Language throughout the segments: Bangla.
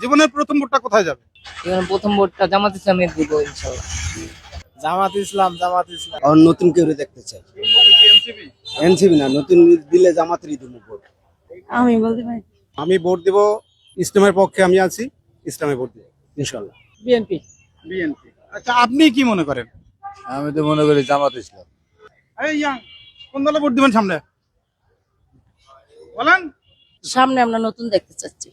জীবনের প্রথম ভোটটা কোথায় যাবে? এবার প্রথম ভোটটা জামাত ইসলামের দিব ইনশাল্লাহ। জামাত ইসলাম আর নতুন কেউ দেখতে চাই। এনসিপি না, নতুন দিলে জামাতেরই দিব ভোট। আমি বলতে পারি আমি ভোট দেব ইসলামের পক্ষে, আমি আছি, ইসলামে ভোট দেব ইনশাআল্লাহ। বিএনপি। বিএনপি। আচ্ছা, আপনি কি মনে করেন? আমি তো মনে করি জামাত ইসলাম। এই ইয়াং, কোন দলে ভোট দিবেন সামনে বলেন? সামনে আমরা নতুন দেখতে চাচ্ছি।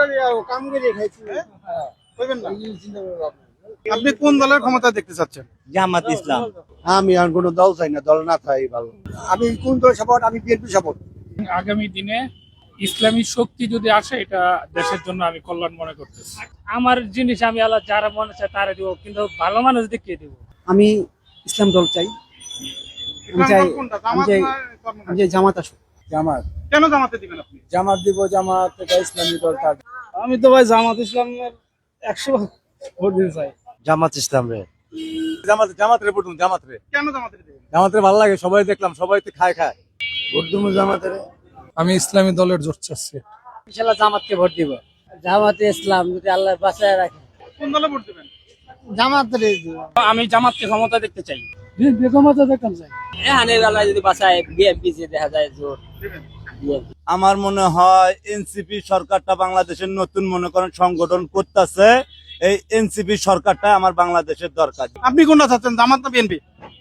কইবেন না? আপনি কোন দলের ক্ষমতা দেখতে চাচ্ছেন? জামাত ইসলাম। আমি আর কোনো দল চাই না, দল না থাই ভালো। আমি কোন দল সাপোর্ট? আমি বিএনপি সাপোর্ট। আগামী দিনে ইসলামী শক্তি যদি আসে, এটা দেশের জন্য আমি কল্যাণ মনে করতেছি। আমার জিনিস আমি আল্লাহ যারা মনে চায় তারা দিব, কিন্তু ভালো মানুষ দেখিয়ে দিব। আমি ইসলাম দল চাই। ইসলাম দল কোনটা? জামাত না কর্মসূচি? আমি জামাত আসুক। জামাত কেন জামাতে দিবেন আপনি? জামাত দিব, জামাত এটা ইসলামী দল থাকবে। আমি তো ভাই জামাত ইসলামের 100 ভোট দিতে চাই। জামাত ইসলাম রে। জামাত রে ভোট, জামাত রে। কেন জামাতে দিবেন? জামাত রে ভালো লাগে, সবাই দেখলাম, সবাই তো খায়। ভোট দেবো জামাত রে। আমি ইসলামী দলের জোট চাচ্ছি। ইনশাল্লাহ জামাতকে ভোট দিব। জামাতে ইসলাম যদি আল্লাহ বাঁচায় রাখে। কোন দলে ভোট দিবেন? জামাতে দিব। আমি জামাতকে ক্ষমতা দেখতে চাই। ক্ষমতা দেখতাম চাই। এখানে আল্লাহ যদি বাঁচায়, বিএনপি যে দেখা যায় জোট। দিবেন। আমার মনে হয় এনসিপি সরকারটা বাংলাদেশের নতুন মনে করেন সংগঠন করতেছে, এই এনসিপি সরকারটা আমার বাংলাদেশের দরকার। আপনি কোনটা চাচ্ছেন, জামাত না বিএনপি?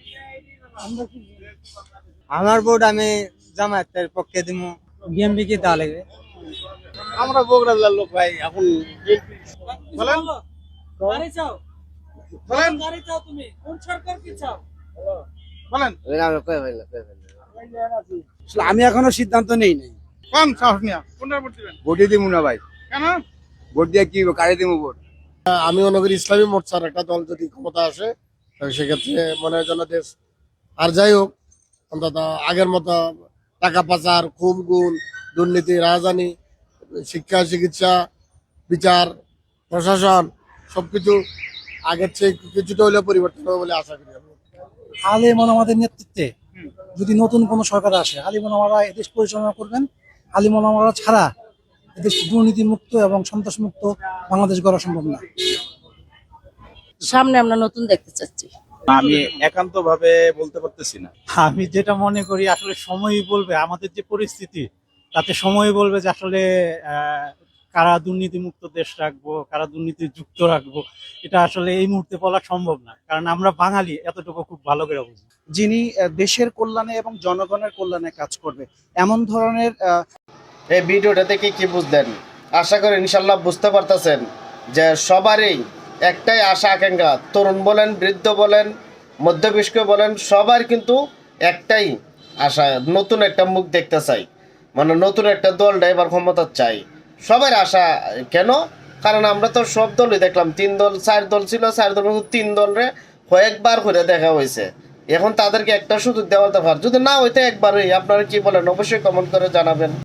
আমার ভোট আমি জামাতের পক্ষে দিব। বিএনপি কি দেওয়া লাগবে? আমরা বগুড়া জেলার লোক ভাই, এখন বলেন বলেন বলেন। আমি এখনো সিদ্ধান্ত নেই নাই। কোন সাহস নিয়া কোনটা ভোট দিবেন? ভোটই দিব না ভাই। কেন? ভোট দিয়ে কি কারে দিব ভোট? আমি মনে করি ইসলামী মোর্চার একটা দল যদি ক্ষমতা আসে, তাহলে সেক্ষেত্রে মনে হয় যেন দেশ আর যাই হোক, অন্তত আগের মতো টাকা পাচার, খুন গুণ, দুর্নীতি, রাজধানী, শিক্ষা, চিকিৎসা, বিচার, প্রশাসন সবকিছু আগের চেয়ে কিছুটা হলেও পরিবর্তন হবে বলে আশা করি আমি। আলেমন আমাদের নেতৃত্বে যদি নতুন কোনো সরকার আসে, আলিমন আমরা এদেশ পরিচালনা করবেন। আলিমন আমরা ছাড়া এদেশ দুর্নীতি মুক্ত এবং সন্ত্রাস মুক্ত বাংলাদেশ গড়া সম্ভব না। সামনে আমরা নতুন দেখতে চাচ্ছি। আমি একান্ত ভাবে বলতে পারতেছি না। আমি যেটা মনে করি আসলে সময়ই বলবে, আমাদের যে পরিস্থিতি তাতে সময় বলবে যে আসলে কারা দুর্নীতি মুক্ত দেশ রাখবো, কারা দুর্নীতি যুক্ত রাখবো, এটা আসলে এই মুহূর্তে বলা সম্ভব না, কারণ আমরা বাঙালি এতটুকু খুব ভালো করে বুঝি। যিনি দেশের কল্যাণে এবং জনগণের কল্যাণে কাজ করবে এমন ধরনের এই ভিডিওটা থেকে কি বুঝলেন? আশা করি ইনশাল্লাহ বুঝতে পারতেছেন যে সবারই একটাই আশা আকাঙ্ক্ষা, তরুণ বলেন, বৃদ্ধ বলেন, মধ্যবয়স্ক বলেন, সবার কিন্তু একটাই আশা, নতুন একটা মুখ দেখতে চাই, মানে নতুন একটা দল এবার ক্ষমতা চাই। সবার আশা কেন? কারণ আমরা তো সব দলই দেখলাম, 3 দল 4 দল ছিল, 4 দল 3 দলরে কয়েকবার করে দেখা হয়েছে। এখন তাদেরকে একটা সুযোগ দেওয়ার দরকার, যদি না হইতে একবারই। আপনারা কি বলেন? অবশ্যই কমেন্ট করে জানাবেন।